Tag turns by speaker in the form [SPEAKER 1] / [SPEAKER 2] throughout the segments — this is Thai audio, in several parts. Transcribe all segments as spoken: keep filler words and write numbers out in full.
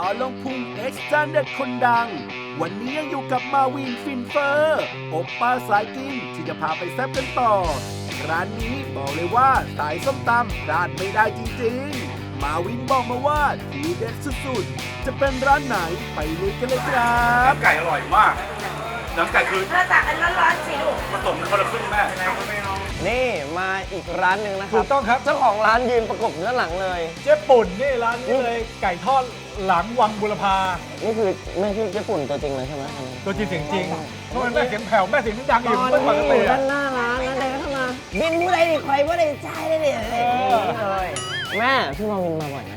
[SPEAKER 1] อลงพุงเอ็กซ์จันเด็ดคนดังวันนี้ยังอยู่กับมาวินฟินเฟอร์โอปป้าสายกินที่จะพาไปแซ่บกันต่อร้านนี้บอกเลยว่าสายส้มตำพลาดไม่ได้จริงๆมาวินบอกมาว่าทีเด็ดสุดๆจะเป็นร้านไหนไปลุยกันเลยครับ
[SPEAKER 2] น้ำไก่อร่อยมากน้ำไก่คือ
[SPEAKER 3] ถ้าตักอันร้อนๆสิลูก
[SPEAKER 2] ผสมกันคนละครึ่งแม่
[SPEAKER 4] นี่มาอีกร้านหนึ่งนะค
[SPEAKER 5] ถู
[SPEAKER 4] รับ
[SPEAKER 5] กต้องครับ
[SPEAKER 4] เจ้าของร้านยืนประกบด้านหลังเลย
[SPEAKER 5] เจ๊ปุ่นนี่ร้านนี้เลยไก่ทอดหลังวังบุรพา
[SPEAKER 4] นี่คือแม่ชื่อเจ๊ปุ่นตัวจริงเลยใช่ไหม
[SPEAKER 5] ตัวจริงเสียงจริงเพราะมันแม่เสียงแผ่วแม่เสียงดังอยู่
[SPEAKER 4] ตอน
[SPEAKER 5] ไม่ปก
[SPEAKER 4] นี้อ
[SPEAKER 5] ติ
[SPEAKER 4] ยู่
[SPEAKER 5] อะ
[SPEAKER 4] ด้านหน้าร้านนั้นเดินเข้ามาบินผู้ใดดิใครผู้ใดใจได้ดิอะไรอย่างนี้เลยแม่พี่มาวินมาบ่อยไหม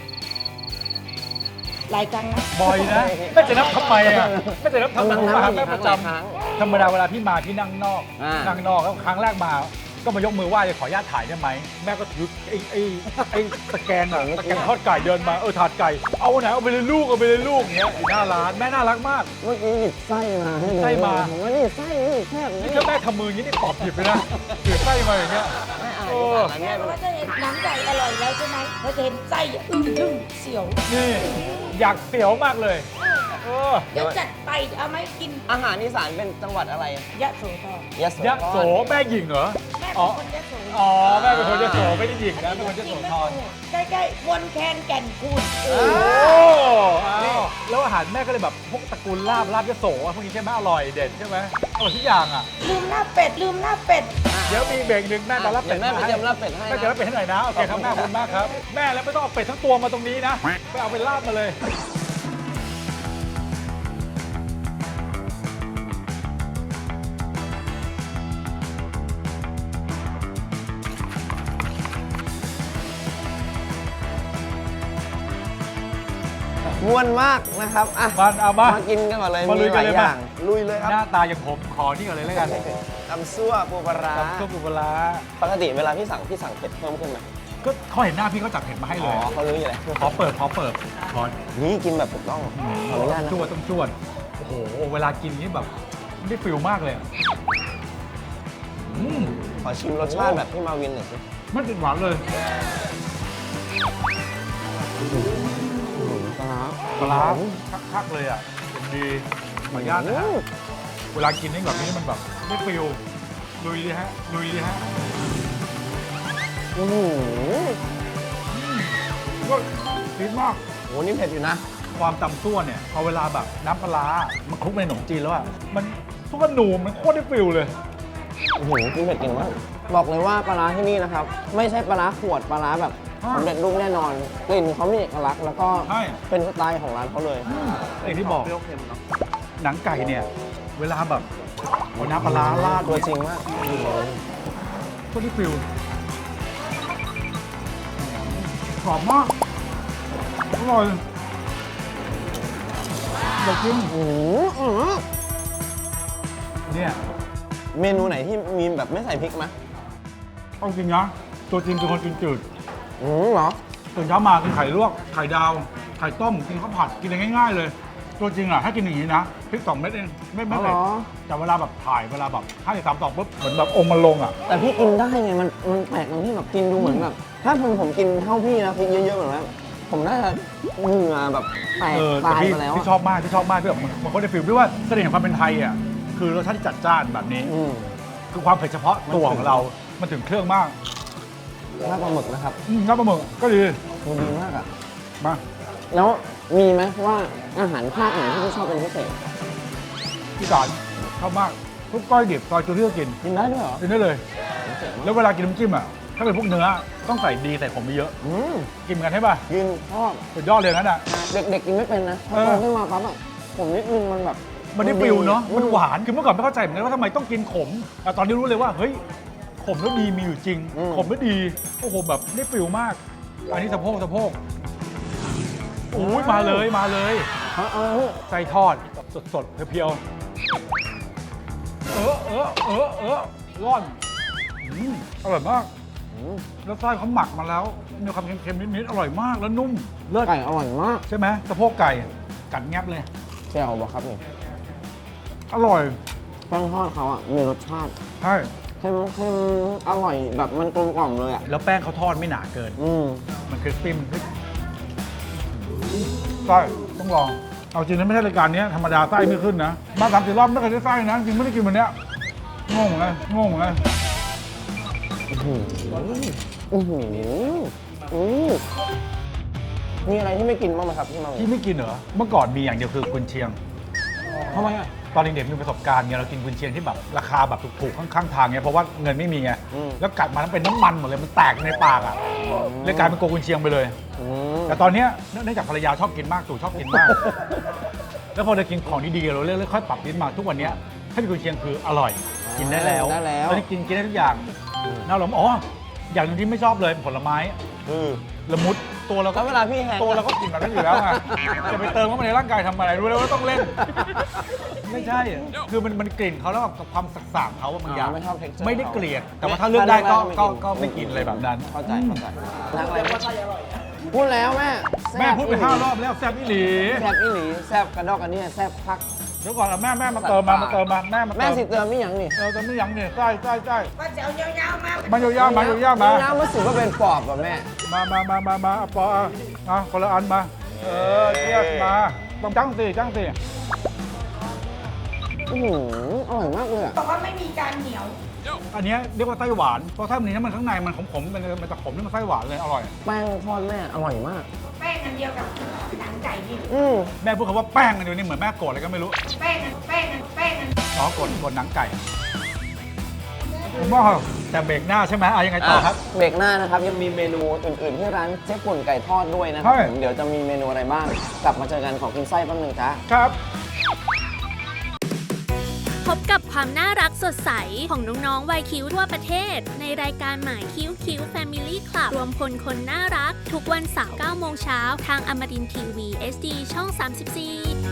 [SPEAKER 3] หลายครั้งนะ
[SPEAKER 5] บ่อยนะแม่จะนับทำไมอะแม่จะนับทำไม
[SPEAKER 4] กำลังนับ
[SPEAKER 5] มาหา
[SPEAKER 4] อยู่
[SPEAKER 5] แม่
[SPEAKER 4] ค
[SPEAKER 5] ป
[SPEAKER 4] รั้ง
[SPEAKER 5] ระ
[SPEAKER 4] ห
[SPEAKER 5] จ
[SPEAKER 4] ลายครั้ง
[SPEAKER 5] ำธรรมดาเวลาพี่มาพี่นั่งนอก
[SPEAKER 4] อ่านั่
[SPEAKER 5] นั่งนอกแล้วครั้งแรกมา ก็มายกมือไหว้ขออนุญาตถ่ายได้ไหมแม่ก็ถือไอ้ไอ้ไอ้ตะแกรงอะตะแกรงทอดไก่เดินมาเออถาดไก่เอาไหนเอาไปเลยลูกเอาไปเลยลูกอย่างเงี้ยอยู่หน้าร้านแม่น่ารักมาก
[SPEAKER 4] เมื่อกี้หยิบไส้มาให้ดู
[SPEAKER 5] ไส้มา
[SPEAKER 4] ผมว่านี่ไส้นี่แซ่บ
[SPEAKER 5] นี่
[SPEAKER 4] นี่
[SPEAKER 5] ถ้าแม่ทำมืออย่างนี้นี่ตอบผิดไปนะถือไส้มาอย่างเงี้ย
[SPEAKER 4] ไม่อ่าน
[SPEAKER 5] โอ้
[SPEAKER 4] ภาษาแม่
[SPEAKER 3] เพ
[SPEAKER 4] ไป
[SPEAKER 3] ราะ
[SPEAKER 4] เล
[SPEAKER 3] ว่าย จะเห็นหนังไก่อร่อยแล้วใช่ไหมเราจะเห็นไส้อ่ะอึ้งทึ่งเสียว
[SPEAKER 5] นี่อยากเสียวมากเลยเออ
[SPEAKER 3] เดี๋ยวจัดไปเอาไหมกิน
[SPEAKER 4] อาหารอีสานเป็นจังหวัดอะไร
[SPEAKER 3] ยะโสธร
[SPEAKER 4] ยะโส
[SPEAKER 5] ยะโสแม่หญิงเหรอ
[SPEAKER 3] แม่
[SPEAKER 5] อ๋
[SPEAKER 3] เป็
[SPEAKER 5] อน
[SPEAKER 3] คนยะโส
[SPEAKER 5] อ๋อแม่เป็นคนยะโสไม่ได้หญิงนะเป็นคนยะโสธร
[SPEAKER 3] ใกล้ๆวนแคนแก่นคูณ
[SPEAKER 5] โอ้อ้าวแล้วอาหารแม่ก็เลยแบบพวกตระกูลลาบลาบยะโสอะพวกนี้ใช่ไหมอร่อยเด็ดใช่ไหมอร่อยทุกอย่างอ่ะ
[SPEAKER 3] ลืมหน้าเป็ดลืมหน้าเป็ด
[SPEAKER 5] เดี๋ยวมีเบรกหนึ่งแม่จะรับเป็ด
[SPEAKER 4] แม่ไปเตรียมรับเป็ดให้
[SPEAKER 5] แม่จะรับเป็ดให้หน่อยนะโอเคครับแม่ขอบคุณมากครับแม่แล้วไม่ต้องเอาเป็ดทั้งตัวมาตรงนี้นะไปเอาเป็นลาบมาเลย
[SPEAKER 4] ม่วนมากนะครับอ่ะ
[SPEAKER 5] มาเอามา
[SPEAKER 4] มากินกันก่อนเลย
[SPEAKER 5] มาลุย
[SPEAKER 4] มีห
[SPEAKER 5] กั
[SPEAKER 4] ลาน ย
[SPEAKER 5] เลย
[SPEAKER 4] อ
[SPEAKER 5] มา
[SPEAKER 4] ย่างลุยเลยค
[SPEAKER 5] หน้า
[SPEAKER 4] รับ
[SPEAKER 5] ตาอย่างผมขอนี่ก่อนเลยแล้วกัน
[SPEAKER 4] ตำซั่วปูปลาร้า
[SPEAKER 5] ซุปปูปลาร้า
[SPEAKER 4] ปกติเวลาพี่สั่งพี่สั่งเผ็ดเพิ่มขึ้นไหม
[SPEAKER 5] ก็เขาเห็นหน้าพี่เขาจัดเผ็ดมาให้
[SPEAKER 4] อ๋
[SPEAKER 5] เล
[SPEAKER 4] อย เขารู้อยู่แล้ว
[SPEAKER 5] ขอเปิดขอเปิดขอ
[SPEAKER 4] นี่กินแบบถูกต้องขออนุญาตนะ
[SPEAKER 5] จวดต้องจวดโอ้โหเวลากินนี่แบบได้ฟิลมากเลยอะอืม
[SPEAKER 4] ขอชิมรสชาติแบบพี่มาวินหน่อยสิ
[SPEAKER 5] ไม่ติดหวานเลย
[SPEAKER 4] ปลาร้า
[SPEAKER 5] ปลาร้าคักๆเลยอ่ะเป็นดีขออนุญาตนะฮะเวลากินนี่แบบนี้มันแบบได้ฟิลลุยเลยฮะลุยเลยฮะ
[SPEAKER 4] อื้อหือ
[SPEAKER 5] ก็ฟินมาก
[SPEAKER 4] โหนี่เผ็ดอยู่นะ
[SPEAKER 5] ความตำซั่วเนี่ยพอเวลาแบบน้ำปลาร้ามันคลุกในขนมจีนแล้วอ่ะมันทุกกระหนูมันโคตรได้ฟิลเลย
[SPEAKER 4] โอ้โหกินเผ็ดเก่งมากบอกเลยว่าปลาร้าที่นี่นะครับ ไม่ใช่ปลาร้าขวดปลาร้าแบบ
[SPEAKER 5] อ่า
[SPEAKER 4] สำเร็จรูปแน่นอนกลิ่นเขามีเอกลักษณ์แล้วก็
[SPEAKER 5] ใช่
[SPEAKER 4] เป็นสไตล์ของร้านเขาเลย
[SPEAKER 5] อย่างที่บอก
[SPEAKER 4] เปรี้ยวเค็มเนาะ
[SPEAKER 5] หนังไก่เนี่ย เวลาแบบเอาน้ำปลาร้าราด
[SPEAKER 4] ตัวจริงมาก
[SPEAKER 5] ก็ได้ฟิลกรอบมากอร่อยอยากกิน
[SPEAKER 4] อื้อหือ
[SPEAKER 5] เนี่ย
[SPEAKER 4] เมนูไหนที่มีแบบไม่ใส่พริกไหม
[SPEAKER 5] เอาจริงนะตัวจริงเป็นคนกินจืด
[SPEAKER 4] อืมเหรอ
[SPEAKER 5] ตื่นเช้ามากินไข่ลวกไข่ดาวไข่ต้มกินข้าวผัดกินอะไรง่ายๆเลย ตัวจริงอ่ะถ้ากินอย่างนี้นะพริกสองเม็ดเองไม่ไม่
[SPEAKER 4] อ๋อ
[SPEAKER 5] เผ็
[SPEAKER 4] เหร
[SPEAKER 5] ด
[SPEAKER 4] อ
[SPEAKER 5] แต่เวลาแบบถ่ายเวลาแบบห้าสิบสามสองปุ๊บเหมือนแบบองค์มันลงอ่ะ
[SPEAKER 4] แต่พี่กินได้ไงมันมันแปลกตรงที่แบบกินดูเหมือนแบบถ้าผมผมกินเท่าพี่นะพริกเยอะๆเหมือนแบบผมน่าจะเหงื่อแบบแตก
[SPEAKER 5] เออ
[SPEAKER 4] ตา
[SPEAKER 5] แต่
[SPEAKER 4] ย
[SPEAKER 5] พี่
[SPEAKER 4] ไปแล้ว
[SPEAKER 5] พี่ชอบมากพี่ชอบมากพี่แบบมันมันก็ได้ฟิลพี่ว่าเสน่ห์ของความเป็นไทยอ่ะคือรสชาติที่จัดจ้านแบบนี้
[SPEAKER 4] อืม
[SPEAKER 5] คือความเผ็ดเฉพาะตัวของเรา มันถึงเครื่องมาก
[SPEAKER 4] ลาบปลาหมึกนะครับ
[SPEAKER 5] อืมน้ำปลาหมึกก็ดี
[SPEAKER 4] มันดีมากอ่ะ
[SPEAKER 5] มา
[SPEAKER 4] แล้วมีไหมว่าอาหารภาคไหนที่พี่ชอบเป็นพิเศษ
[SPEAKER 5] พี่สารชอบมากทุกก้อยดิบซอยจูที่ก็กิน
[SPEAKER 4] กินได้ด้วยเหรอ
[SPEAKER 5] กินได้เลย
[SPEAKER 4] เจ๋งมาก
[SPEAKER 5] แล้วเวลากินน้ำจิ้มอ่ะถ้าเป็นพวกเนื้อต้องใส่ดีใส่ผมไปเยอะ
[SPEAKER 4] อืม
[SPEAKER 5] กินกันใช่ป่ะ
[SPEAKER 4] กินชอบ
[SPEAKER 5] สุดยอดเลยนั่นอ่ะ
[SPEAKER 4] เด็กๆกินไม่เป็นนะพอ
[SPEAKER 5] เออ
[SPEAKER 4] โตขึ้นมาปั๊บอ่ะผมนิดนึงมันแบบ
[SPEAKER 5] มันได้ฟิลเนาะ
[SPEAKER 4] มั
[SPEAKER 5] มันหวานคือเมื่อก่อนไม่เข้าใจเหมือนกันว่าทำไมต้องกินขมแต่ตอนนี้รู้เลยว่าเฮ้ยขมแล้วดีมีอยู่จริง ขมแล้วดีโอ้โหแบบได้ฟิลมาก อันนี้สะโพกสะโพกโอ้ยมาเลยมาเลย
[SPEAKER 4] เอาเอา
[SPEAKER 5] ไส้ทอดสดสดๆเพียวๆเออเออเออเออร่อนอืมอร่อยมาก
[SPEAKER 4] อืม
[SPEAKER 5] แล้วไส้เขาหมักมาแล้วมีความเค็มๆนิดๆอร่อยมากแล้วนุ่มเลิศ
[SPEAKER 4] ไก่อร่อยมาก
[SPEAKER 5] ใช่ไหมสะโพกไก่กัดแงบเลย
[SPEAKER 4] แจ่วบอกครับนี่
[SPEAKER 5] อร่อย
[SPEAKER 4] แป้งทอดเขาอ่ะมีรสชาติ
[SPEAKER 5] ใช่
[SPEAKER 4] เค็มเค็มอร่อยแบบมันกลมกล่อมเลยอ่ะ
[SPEAKER 5] แล้วแป้งเขาทอดไม่หนาเกิน
[SPEAKER 4] อืม
[SPEAKER 5] มันคริสปี้มันคริสไส้ต้องลอง เอาจริงนะไม่ใช่รายการนี้ธรรมดาไส้ไม่ขึ้นนะ มาสามสี่รอบไม่เคยได้ไส้นะ จริงไม่ได้กินวันเนี้ยงงไงงงไง
[SPEAKER 4] อื้อหืออื้อหืออื้อมีอะไรที่ไม่กินบ้างไหมครับพี่มาวิน
[SPEAKER 5] ที่ไม่กินเหรอ เมื่อก่อนมีอย่างเดียวคือกุนเชียง
[SPEAKER 4] ทำไมอ่ะ
[SPEAKER 5] ตอนเด็กๆมีประสบการณ์ไงเรากินกุนเชียงที่แบบราคาแบบถูกๆข้างๆทางไงเพราะว่าเงินไม่มีไง
[SPEAKER 4] อืม
[SPEAKER 5] แล้วกัดมาแล้วเป็นน้ำมันหมดเลยมันแตกในปากอ่ะเลยกลายเป็นโกกุนเชียงไปเลย
[SPEAKER 4] อืม
[SPEAKER 5] แต่ตอนเนี้ยเนื่องจากภรรยาชอบกินมากตู่ชอบกินมาก แล้วพอได้กินของดีๆเราเรื่อยๆค่อยปรับลิ้นมาทุกวันเนี้ยถ้าเป็นกุนเชียงคืออร่อย กินได้แล้ว
[SPEAKER 4] ได้แล้ว
[SPEAKER 5] ตอนนี้กินกินได้ทุกอย่างน่าหลงอ๋ออย่างหนึงที่ไม่ชอบเลยผลไม้
[SPEAKER 4] อืม
[SPEAKER 5] ละมุดตัวเราก็
[SPEAKER 4] แล้วเวลาพี่แฮง
[SPEAKER 5] ตัวเราก็กินแบบนั้นอยู่แล้วไงจะไปเติมเข้ามาในร่างกายทำอะไรรู้แล้วว่าต้องเล่น ไม่ใช่อะคือมันมันกลิ่นเขาแล้วกับความสักสางเขาอะบางอย่าง
[SPEAKER 4] ไม่ชอบ texture
[SPEAKER 5] ไม่ได้เกลียด แต่ว่าถ้าเลือกได้ก็
[SPEAKER 4] ถ้า
[SPEAKER 5] ก็
[SPEAKER 4] เลือกได้
[SPEAKER 5] ก็ไม่กินอะไรแบบนั้น
[SPEAKER 4] เข้าใจเข้าใจนั่งอะไรพูดแล้วแม่
[SPEAKER 5] แม่พูดไปห้ารอบแล้วแซ่บอีหลี
[SPEAKER 4] แซ่บอีหลีแซ่บกระดอกกระเดี่ยแซ่บพัก
[SPEAKER 5] เดี๋ยวก่อนเอาแม่แม่มาเติมมามาเติมมาแม่มาเติ
[SPEAKER 4] แม่
[SPEAKER 5] ม
[SPEAKER 4] สิเติมไม่หยังนี่
[SPEAKER 5] เออแต่ไม่ยั้งเนี่ยใช่ใช่ใช่
[SPEAKER 3] ก็จะเอายาวๆมา
[SPEAKER 5] มายาวๆมายาวๆมา
[SPEAKER 4] น้ำมันสึกว่าเป็นปอบป่ะแม่
[SPEAKER 5] มามามามามาเอาปอเอาเอาคนละอันมา เออเทียบมาต้องจังสิจังสิ
[SPEAKER 4] อื้อหืออร่อยมากเลยอะ
[SPEAKER 3] บอกว่าไม่มีการเหนียว
[SPEAKER 5] อันเนี้ยเรียกว่าไส้หวานเพราะถ้ามันนี้มันข้างในมันขมๆมันมันจะขมนี่มันไส้หวานเลยอร่อย
[SPEAKER 4] แป้งทอดแม่อร่อยมาก
[SPEAKER 3] แป้งอันเดียวกับหนังไก่นี่
[SPEAKER 4] อืม
[SPEAKER 5] แม่พูดคำว่าแป้งอันเดียวนี่เหมือนแม่โกรธอะไรก็ไม่รู้
[SPEAKER 3] แป้งอันแป้งอันแป้งอัน
[SPEAKER 5] อ๋อกดกดหนังไก่ผมว่าแต่เบรกหน้าใช่ไหมอ่ะยังไงต่อครับ
[SPEAKER 4] เบรกหน้านะครับยังมีเมนูอื่นๆที่ร้านเจ๊ป่นไก่ทอดด้วยนะครั
[SPEAKER 5] ใช่
[SPEAKER 4] ผมเดี๋ยวจะมีเมนูอะไรบ้าง กลับมาเจอกันของกินไส้แป๊บนึงจ้า
[SPEAKER 5] ครับ
[SPEAKER 6] พบกับความน่ารักสดใสของน้องๆวัยคิ้วทั่วประเทศ ในรายการหมายคิ้วคิ้ว Family Club รวมพลคนน่ารัก ทุกวันเสาร์เก้าโมงเช้าทางอมรินทร์ทีวี เอส ดี ช่อง สามสิบสี่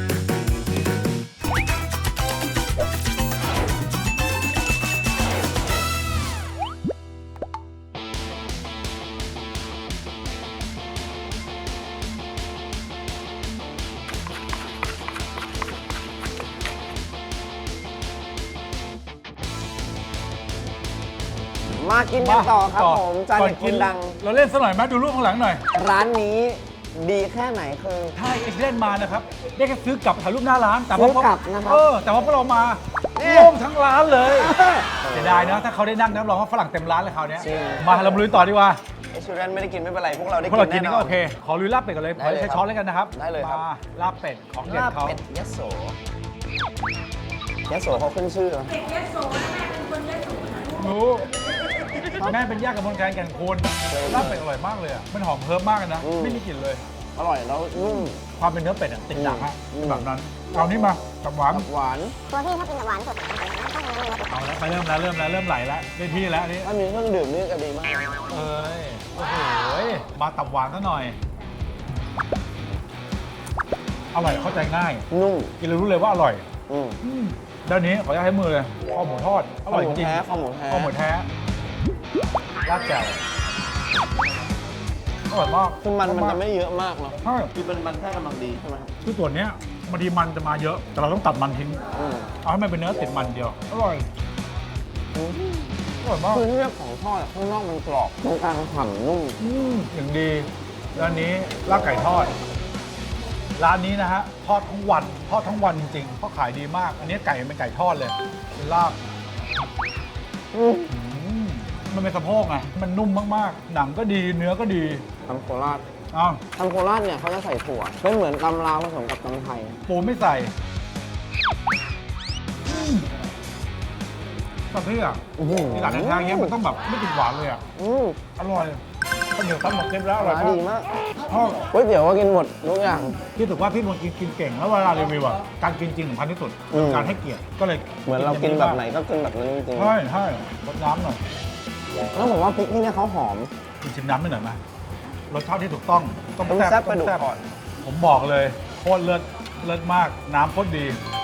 [SPEAKER 4] มากินกันต่อครับผมจาน
[SPEAKER 5] ก่
[SPEAKER 4] เด็ดคนดัง
[SPEAKER 5] เราเล่นสักหน่อยไหมดูรูปข้างหลังหน่อย
[SPEAKER 4] ร้านนี้ดีแค่ไหนคือ
[SPEAKER 5] ถ้าเอ็กซ์เล่นมานะครับ ได้แค่ซื้อกลับถ่ายรูปหน้าร้าน แต่
[SPEAKER 4] ซื้
[SPEAKER 5] ว่า
[SPEAKER 4] อกลับนะครับ
[SPEAKER 5] เออ แต่ว่าพวกเรามา
[SPEAKER 4] นี่
[SPEAKER 5] โล่งทั้งร้านเลยเสียดายนะ ถ้าเขาได้นั่งรับรองว่าฝรั่งเต็มร้านเลยคราวเนี้ย
[SPEAKER 4] จริง
[SPEAKER 5] มาเรามาลุยต่อดีกว่า
[SPEAKER 4] ไอชูแรนไม่ได้กินไม่เป็นไร พวกเราได้
[SPEAKER 5] พวกเรากิ
[SPEAKER 4] กิ
[SPEAKER 5] น
[SPEAKER 4] น
[SPEAKER 5] นี่
[SPEAKER 4] แน่น
[SPEAKER 5] ก็
[SPEAKER 4] อน
[SPEAKER 5] โอเค ขอลุยลาบเป็ดกันเลย ข
[SPEAKER 4] ได้
[SPEAKER 5] อ
[SPEAKER 4] เลย
[SPEAKER 5] ใช้
[SPEAKER 4] ครับ
[SPEAKER 5] ช้อนแล้วกันนะครับ
[SPEAKER 4] ได้เลยครับ
[SPEAKER 5] มาลาบเป็ดของเด็ด
[SPEAKER 4] ลาบ
[SPEAKER 5] เขา
[SPEAKER 4] เป็ดยโสยโสเขาขึ้นชื่อ
[SPEAKER 3] เด็กยโสนะแม่เป็นคนยโสนะ
[SPEAKER 5] รู้แม่เป็นญาติกับมนแคนแก่นคูณลาบเป็ดอร่อยมากเลยอ่ะ มันหอมเพิ่มมากเลยนะ
[SPEAKER 4] อืม
[SPEAKER 5] ไม่มีกลิ่นเลย
[SPEAKER 4] อร่อยแล้วนุ่ม
[SPEAKER 5] ความเป็นเนื้อเป็ดอะติดดังอะ
[SPEAKER 4] อืม
[SPEAKER 5] แบบนั้น เอานี่มากับหวาน
[SPEAKER 4] หวาน
[SPEAKER 7] ตัวพี่ถ้ากินแบบหวานสุด
[SPEAKER 5] เอาแล้วไปเริ่มแล้วเริ่มแล้วเริ่มไหลแล้วได้ที่แล้วอันนี่
[SPEAKER 4] ถ้ามีเครื่องดื่มนี่ก็ดีมาก
[SPEAKER 5] เอ้ยโอ้โหมาตับหวานซะหน่อย อร่อยเข้าใจง่าย
[SPEAKER 4] นุ่ม
[SPEAKER 5] กินแล้วรู้เลยว่าอร่อย
[SPEAKER 4] อืม
[SPEAKER 5] อืมด้านนี้ขออนุญาตให้มือเลยคอหมูทอดอร่อยจริง
[SPEAKER 4] ข้าวหมูแท้
[SPEAKER 5] ข้าวหมูแท้ราดแจ่วอร่อยมาก
[SPEAKER 4] คือมันมันจะไม่เยอะมากเนาะ
[SPEAKER 5] ใช่
[SPEAKER 4] คือเป็นมันแค่กำลังดีใช่ไหมครับ
[SPEAKER 5] คือส่วนเนี้ยบางทีมันจะมาเยอะ แต่เราต้องตัดมันทิ้ง
[SPEAKER 4] อืม
[SPEAKER 5] เอาให้มันเป็นเนื้อติดมันเดียว อร่อยอร่อยมาก
[SPEAKER 4] คือที่เรื่องของทอดอะข้างนอกมันกรอบตรงกลางฉ่ำนุ่ม
[SPEAKER 5] อืมอย่างดีร้านนี้ลาบไก่ทอด ร้านนี้นะฮะทอดทั้งวันทอดทั้งวันจริงๆเพราะขายดีมาก อันนี้ไก่มันเป็นไก่ทอดเลยเป็นลาบ
[SPEAKER 4] อืม
[SPEAKER 5] อืมมันเป็นสะโพกไงมันนุ่มมากๆ หนังก็ดีเนื้อก็ดี
[SPEAKER 4] ทำโคราช
[SPEAKER 5] อ้าว
[SPEAKER 4] ทำโคราชเนี่ยเขาจะใส่ถั่วเป็นเหมือนตำลาวผสมกับตำไทย
[SPEAKER 5] ปูไม่ใส่อืมแต่ที่อ่ะ
[SPEAKER 4] อื้อหือ
[SPEAKER 5] ที่ร้านอาหารเงี้ยมันต้องแบบไม่ติดหวานเลยอ่ะ
[SPEAKER 4] อืม
[SPEAKER 5] อร่อยข้าวเหนียวตั้มหมกเก็ตแล้วอร่อย
[SPEAKER 4] ร้าน
[SPEAKER 5] มาก
[SPEAKER 4] ดีมาก
[SPEAKER 5] ชอบ
[SPEAKER 4] ก๋วยเตี๋ยวก็กินหมดทุกอย่าง
[SPEAKER 5] พี่ถือว่าพี่มนต์กินกินเก่งแล้วเวลารีวิวอ่ะการกินจริงสำคัญที่สุด
[SPEAKER 4] อืม
[SPEAKER 5] การให้เกียรติก็เลย
[SPEAKER 4] เหมือนเรากินแบบไหนก็กินแบบนั้นจริง
[SPEAKER 5] ใช่ใช่รสน้ำหน่อย
[SPEAKER 4] ๆแล้วผมว่าพริกที่เนี่ยเขาหอม
[SPEAKER 5] กินชิมน้ำไม่หน่อยไหมรสชาติที่ถูกต้องต้อง
[SPEAKER 4] ต้อง
[SPEAKER 5] แซ่บ
[SPEAKER 4] แซ่บกระดูก
[SPEAKER 5] ต้อง
[SPEAKER 4] ก่อน
[SPEAKER 5] ผมบอกเลยโคตรเลิศเลิศมากน้ำโคตรดี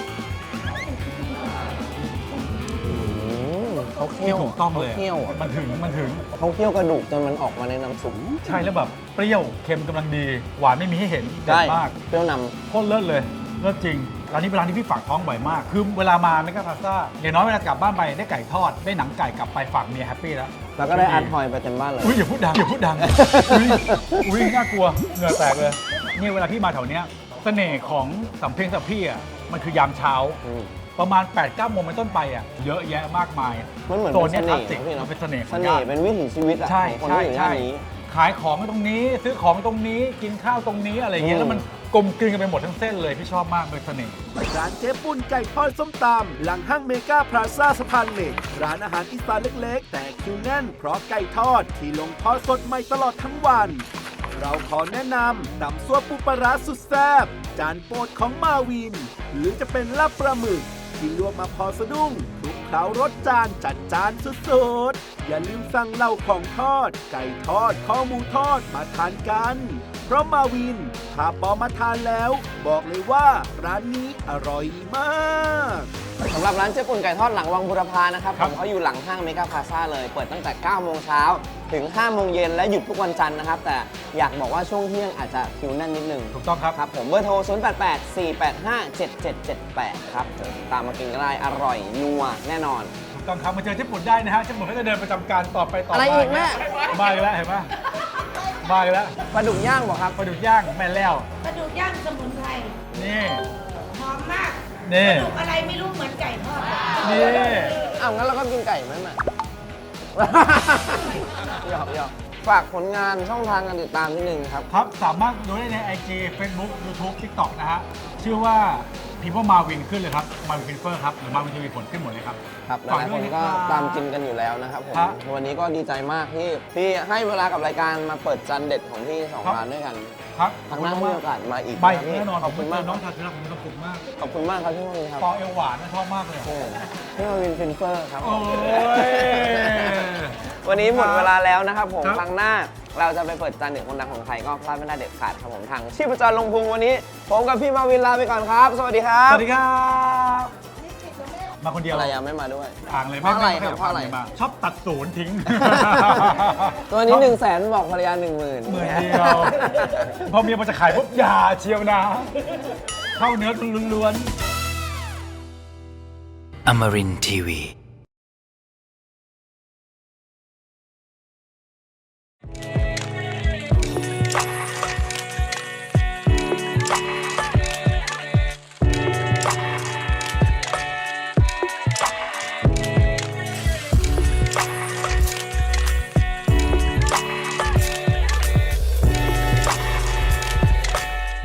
[SPEAKER 4] อืมเขาเคี่
[SPEAKER 5] ที่
[SPEAKER 4] ยว
[SPEAKER 5] ถูกต้องเลย
[SPEAKER 4] ขาเคี่ยวอะ
[SPEAKER 5] มันถึงมันถึง
[SPEAKER 4] เขาเคี่ยวกระดูกจนมันออกมาในน้ำซุป
[SPEAKER 5] ใช่แล้วแบบเปรี้ยวเค็มกำลังดี หวานไม่มีให้เห็นเด็ดมาก
[SPEAKER 4] เปรี้ยวน
[SPEAKER 5] โคตรเลิศเลยเลิศจริงร้านนี้เป็นร้านที่พี่ฝากท้องบ่อยมาก คือเวลามาเมกาพาซ่าอย่างน้อยเวลากลับบ้านไปได้ไก่ทอดได้หนังไก่กลับไปฝากเมียแฮปปี้แล้ว
[SPEAKER 4] แล้วก็ได้อาร์ตทอยไปเต็มบ้านเลย
[SPEAKER 5] อุ้ยอย่าพูดดังอย่าพูดดัง อุ้ยอุ้ยน่ากลัวเหงื่อแตกเลยเนี่ยเวลาพี่มาแถวเนี้ยเสน่ห์ของสำเพ็งสับพี่อ่ะมันคือยามเช้า
[SPEAKER 4] อืม
[SPEAKER 5] ประมาณ แปดเก้า โมงเป็นต้นไปอ่ะเยอะแยะมากมาย
[SPEAKER 4] มันเหมือน
[SPEAKER 5] โซนเนี้ยค
[SPEAKER 4] เป็
[SPEAKER 5] ลาน ส
[SPEAKER 4] เส
[SPEAKER 5] สิ
[SPEAKER 4] น่
[SPEAKER 5] ก
[SPEAKER 4] ห์นะพี่เนอะ
[SPEAKER 5] มันเป็นเสน่ห์ข
[SPEAKER 4] เส
[SPEAKER 5] อง
[SPEAKER 4] น่
[SPEAKER 5] ย่า
[SPEAKER 4] ห์
[SPEAKER 5] น
[SPEAKER 4] เป็นวิถีชีวิตอะ
[SPEAKER 5] ใช่
[SPEAKER 4] ของคน
[SPEAKER 5] ใช่
[SPEAKER 4] ที่อยู่ย่า
[SPEAKER 5] ใช่
[SPEAKER 4] นนี้
[SPEAKER 5] ขายของตรงนี้ซื้อของตรงนี้กินข้าวตรงนี้อะไรเงี้ย
[SPEAKER 4] อืม
[SPEAKER 5] แล้วมันกลมกลืนกันไปหมดทั้งเส้นเลยพี่ชอบมากเป็นเสน่ห์
[SPEAKER 1] ร้านเจ๊ปุ้นไก่ทอดส้มตำหลังห้างเมกาพลาซ่าสะพานเหล็กร้านอาหารอีสานเล็กๆ แต่คิวแน่นเพราะไก่ทอดที่ลงทอดสดใหม่ตลอดทั้งวัน เราขอแนะนำตำซั่วปูปลาร้าสุดแซ่บจานโปรดของมาวิน หรือจะเป็นลาบปลาหมึกที่ลวกมาพอสะดุ้งคลุกเคล้ารสจานจัดจานสุดๆอย่าลืมสั่งเหล่าของทอด ไก่ทอดข้อหมูทอดมาทานกัน เพราะมาวินถ้าปอมาทานแล้ว บอกเลยว่าร้านนี้อร่อยมาก
[SPEAKER 4] สำหรับร้านเจ๊ปุ่นไก่ทอดหลังวังบุรพานะครับ
[SPEAKER 5] ค
[SPEAKER 4] ผ
[SPEAKER 5] รับ
[SPEAKER 4] มเขาอยู่หลังห้างเมกาพลาซ่าเลย เปิดตั้งแต่ เก้า โมงเช้าถึง ห้า โมงเย็นและหยุดทุกวันจันทร์นะครับ แต่อยากบอกว่าช่วงเที่ยงอาจจะคิวแน่นนิดนึง
[SPEAKER 5] ถูกต้องครับ
[SPEAKER 4] ครับผมเบอร์โทร ศูนย์ แปด แปด สี่ แปด ห้า เจ็ด เจ็ด เจ็ด แปด ครับผมตามมากินก็ได้อร่อยนัวแน่นอน
[SPEAKER 5] ถูกต้องครับมาเจอเจ๊ปุ่นได้นะฮะเจ๊ปุ่นก็จะเดินประจำการต่อไปต่อ
[SPEAKER 4] อะไร
[SPEAKER 5] มา
[SPEAKER 4] อีกแม่
[SPEAKER 5] มาอีกแล้วเห็นไหมมาอีกแล้ว
[SPEAKER 4] ปลาดุกย่างบอกครับ
[SPEAKER 5] ปลาดุกย่างแม่แล้ว
[SPEAKER 3] กระดูกย่างสมุนไพร
[SPEAKER 5] นี่
[SPEAKER 3] หอมมาก
[SPEAKER 5] นี่
[SPEAKER 3] กระดูกอะไรไม่รู้เหมือนไก่ทอด
[SPEAKER 5] นี่
[SPEAKER 4] อ้าวงั้นเราก็กินไก่ไหมแม่ หยอกหยอกฝากผลงานช่องทางการติดตามนิดนึงครับ
[SPEAKER 5] ครับสามารถดูได้ใน ไอ จี Facebook YouTube TikTok นะฮะชื่อว่า People Marvin ขึ้นเลยครับ Marvin Finfer ครับหรือ Marvin ทีวีผลขึ้นหมดเลยครับ
[SPEAKER 4] ครับห
[SPEAKER 5] ฝาก
[SPEAKER 4] ลายๆ
[SPEAKER 5] ด้
[SPEAKER 4] ค
[SPEAKER 5] วย
[SPEAKER 4] น
[SPEAKER 5] นะ
[SPEAKER 4] ก็
[SPEAKER 5] ครับ
[SPEAKER 4] ตามกินกันอยู่แล้วนะครับผม
[SPEAKER 5] ครับ
[SPEAKER 4] วันนี้ก็ดีใจมากที่ที่ให้เวลากับรายการมาเปิดจานเด็ดของพี่สอง
[SPEAKER 5] ครับ
[SPEAKER 4] ร้านด้วยกัน
[SPEAKER 5] ครับ
[SPEAKER 4] ครั้งหน้าถ้ามีโอกาสมาอีก
[SPEAKER 5] ไป
[SPEAKER 4] ะครับพี่
[SPEAKER 5] แน่นอน
[SPEAKER 4] ขอบคุณมาก
[SPEAKER 5] น้อง
[SPEAKER 4] ค
[SPEAKER 5] ทา
[SPEAKER 4] รับ
[SPEAKER 5] นรักผมมีความสุขมาก
[SPEAKER 4] ขอบคุณมากครับพี่มวินครับ
[SPEAKER 5] ปอเอวหวานนะชอบมากเลย
[SPEAKER 4] โอ้พี่มวินฟินเฟอร์ครับ
[SPEAKER 5] โอ้ย
[SPEAKER 4] วันนี้หมดเวลาแล้วนะครับผม
[SPEAKER 5] ครับ
[SPEAKER 4] ครั้งหน้าเราจะไปเปิดจานเด็ดคนดังของใครก็พลาดไม่ได้เด็ดขาดครับผมทางชีพจรลงพุงวันนี้ผมกับพี่มาวินลาไปก่อนครับ สวัสดีครั
[SPEAKER 5] ส
[SPEAKER 4] บ
[SPEAKER 5] วัสดีครับ มาคนเดียว
[SPEAKER 4] ภรรยาไม่มาด้วย
[SPEAKER 5] อ่างเลย
[SPEAKER 4] เพราะอะไร
[SPEAKER 5] ม่ม่
[SPEAKER 4] ครับเพราะอะไร
[SPEAKER 5] ม่มาชอบตัดศูนย์ทิ้ง
[SPEAKER 4] ตัวนี้หนึ่งแสนบอกภรรยาหนึ่งหมื่น
[SPEAKER 5] หมื่นเดียว พอเมียมันจะขายปุ๊บอย่าเชียวนะ เข้าเนื้อล้วนๆ
[SPEAKER 7] Amarin Tiwi.